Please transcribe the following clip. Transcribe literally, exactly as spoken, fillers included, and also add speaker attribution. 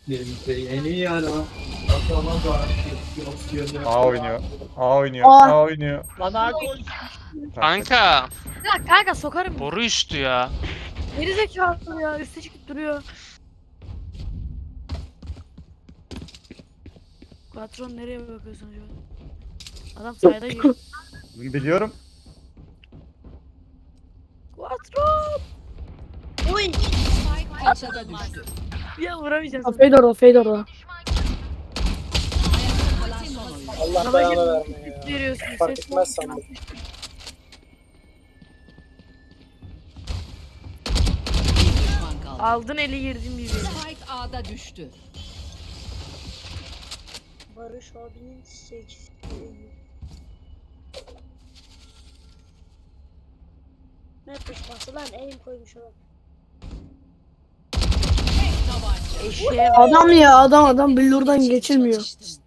Speaker 1: En iyi yani ha.
Speaker 2: A oynuyor. A oynuyor.
Speaker 3: Aa.
Speaker 2: A oynuyor.
Speaker 4: Bana koş.
Speaker 5: Kanka.
Speaker 3: Ya kanka sokarım.
Speaker 5: Boru üstü ya.
Speaker 3: Geri zekalı ya. Üste çıkıp duruyor. Patron nereye bakıyorsun acaba? Adam sayda giriyor.
Speaker 2: Biliyorum.
Speaker 3: Patron. Uy.
Speaker 6: Kaçada düştü.
Speaker 3: Ya vuramayacağım.
Speaker 7: Ha, Fade orada, fade orada.
Speaker 6: Kalan son oyun.
Speaker 4: Allah
Speaker 3: Sana
Speaker 4: belanı
Speaker 3: gel-
Speaker 4: vermeye ya.
Speaker 3: Veriyorsun.
Speaker 4: Fark
Speaker 3: ses
Speaker 4: etmez
Speaker 3: yok.
Speaker 4: sandım.
Speaker 6: Bir düşman kaldı.
Speaker 3: Aldın eli girdin bir yere.
Speaker 6: Spike A'da düştü.
Speaker 8: Barış abinin seksi. Ne pusması lan, elim koymuş adam.
Speaker 6: Tek tabanca.
Speaker 3: Eşeğe bak.
Speaker 7: Adam ya adam adam billurdan geçilmiyor.